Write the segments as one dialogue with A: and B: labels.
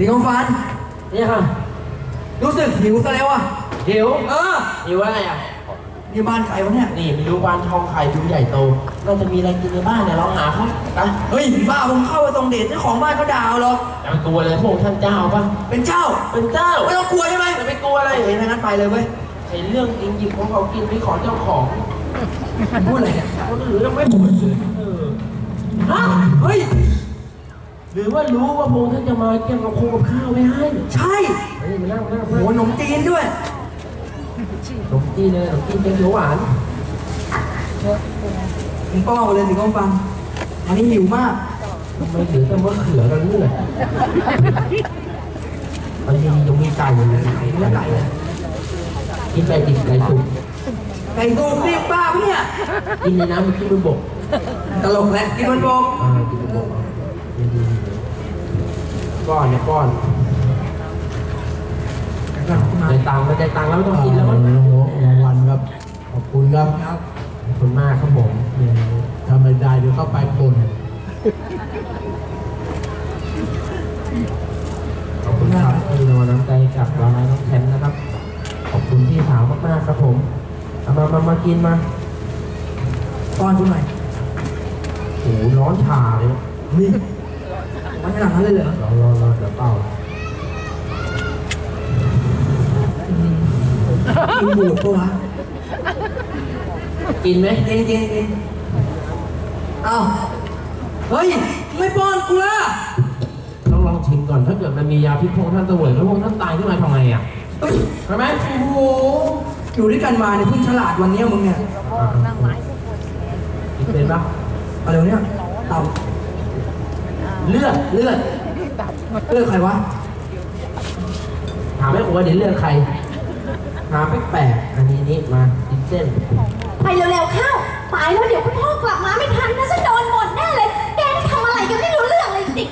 A: กองฟัน
B: นี่ค่ะ
A: รู้สึกหิวซะแล้วอ่ะ
B: หิวหิวอะไรอ่ะ
A: นี่บ้านใครวะเนี่ย
B: นี่ไม่รู้บ้านช่องใครดูใหญ่โตน่าจะมีอะไรกินในบ้านเนี่ยเราหาเขาไป
A: เฮ้ยบ้าผมเข้าไปตรงเดชเจ้าของบ้านเขาด่าหรอก
B: จะไปกลัวเลยพวกท่านเจ้าป่ะ
A: เป็นเจ้า
B: ไม่
A: ต้องกลัวใช่ไหม
B: จะไปกลัวอะไร
A: เห็นงั้นไปเลยเว้ย
B: เห็นเรื่องกินหยิบของเขากินไปขอเจ้าของ
A: พูดอะไร
B: คนอื่นยังไม่หมดเลยฮะ
A: เฮ้ย
B: หรือว่ารู้ว่าพงท่านจะมาเกี่ยวกับโคกับข้าวไม่ให้
A: ใช่
B: เฮ้ยมานั่ง
A: โหขนมจีนด้วย
B: ขนมจีนเลยขนมจีนเป็นเขียวหวาน
A: มึงป้อเลยสิกองฟันอันนี้หิวมาก
B: ทำไมเหลือแต่มะเขือกันเนี่ยอันนี้ยังมีไก่อยู่เลย
A: เนื้อไก่เลย
B: กินไก่ดิบไก่สุก
A: ไก่สุกเรียกป้าปะเนี่ย
B: กินในน้ำมันกินบนบก
A: ตลกแหละกินบนบก
B: กินบนบกก้อนเนี่ยก้อนได้ตังค์ได้ตังค์แล้วต้องกินแล้วมั้ง
C: รางวัลครับขอบคุณครับ
B: ขอบคุณมากครับผม
C: ทำไม่ได้เดี๋ยวเข้าไปปน
B: ขอบคุณครับที่รอน้ำใจกับเราในน้องแทนนะครับขอบคุณพี่สาวมากๆครับผมเอามากินมา
A: ป้อนกูหน่อย
B: โอ้ร้อนชาเลย
A: นี่มันขนาดนั้นเลยเหรอ
B: รอเดี๋ยวเปล่า
A: กินบูดปะวะ
B: กินไหม
A: กินเอ้าเฮ้ยไม่ป้อนกูละ
B: ลองชิมก่อนถ้าเกิดมันมียาพิษพวกท่านตะเวยแล้วพวกท่านตายขึ้นมาทำไงอ่ะใช่ไหม
A: โอ้โหอยู่ด้วยกันมาเนี่ยเพิ่งฉลาดวันนี้มึงเนี่ย
B: กินเป็นปะ
A: อะไรเนี่ยเต่า
B: เลือด
A: ใครวะ
B: ถามไม่ถูกว่าเดี๋ยวเลือดใครหาแปลกๆอันนี้มากินเส้น
D: ไปเร็วๆเข้าตายแล้วเดี๋ยวคุณพ่อกลับมาไม่ทันนะฉันโดนหมดแน่เลยแกทำอะไรกันไม่รู้เรื่องเลยจริง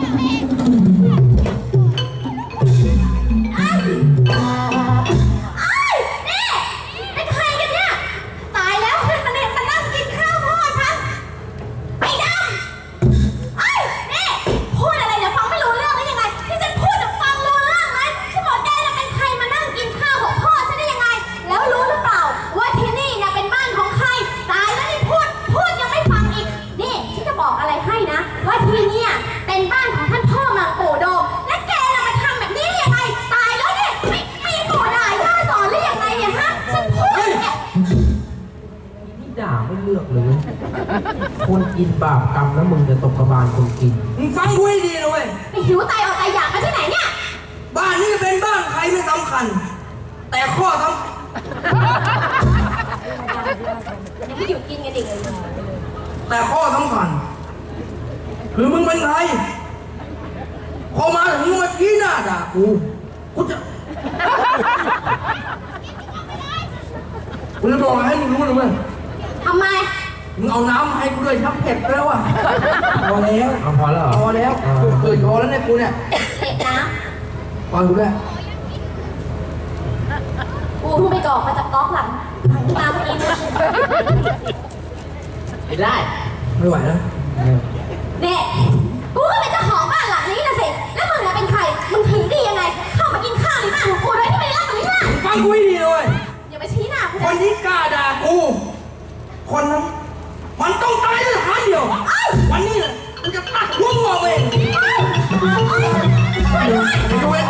D: นี่เป็นใครกันเนี่ยตายแล้วขึ้นมาเนี่ยมานั่งกินข้าวพ่อฉันไอ้ดำนี่พูดอะไรเนี่ยฟังไม่รู้เรื่องหรือยังไงที่ฉันพูดจะฟังรู้เรื่องไหมฉันบอกแกจะเป็นใครมานั่งกินข้าวของพ่อฉันได้ยังไงแล้วรู้หรือเปล่าว่าที่นี่เนี่ยเป็นบ้านของใครตายแล้วนี่พูดยังไม่ฟังอีกนี่ฉันจะบอกอะไรให้นะว่าที่เนี่ยเป็นบ้านของท่านพ่อมังปู่โดมและแกน่ะมาทำแบบนี้ยังไงตายแล้วเนี่ยไม่มีปู่ด่าย่าสอนหรือยังไงเนี่ยฮะฉันพูดเนี่ย
B: นี่ด่าไม่เลือกเลยคนกินบาปกรรมแล้วมึงจะตกกระบาลคนกิน
A: มึงฟังกูให้ดีนะเว้ย
D: ไปหิวตายออกตายอยากมาที่ไหนเนี่ย
A: บ้านนี้เป็นบ้านใครไม่สำคัญแต่ข้อสำคัญ
D: ยังไม่หยุดกินกันอีก
A: แต่ข้อสำคัญคือมึงเป็นใครพอมาถึงมึงมาชี้หน้าด่ากูจะบอกอะไรให้มึงรู้นะเว้ย
D: ทำไม
A: มึงเอาน้ำให้กูด้วยชักเผ็ดแล้วอ่ะพอแล้ว
B: พอแล้ว
A: พอแล้วเกิดพอแล้วเนี่ยกูเนี่ย
D: เผ็ดนะ
A: พอกูด้วย
D: กูเพิ่งไปกรอกมาจากก๊อกหลังมาเมื่อกี้นะ
B: ไม่ได้
A: ไม่ไหวแล้ว
D: เนี่ยกูก็เป็นเจ้าของบ้านหลังนี้นะสิแล้วมึงเป็นใครมึงถึงดียังไงเข้ามากินข้าวในบ้านของกูโดยที่ไม่ได้รับอนุญาต
A: ฟังกูให้ดีเลย
D: อย่ามาชี้หน้ากู
A: คนที่กล้าด่ากูคนนั้นมันต้องตายด้วยหางเดียววันนี้แหละกูจะตัดหัวมึงออกเอง
D: ช่วยด้วย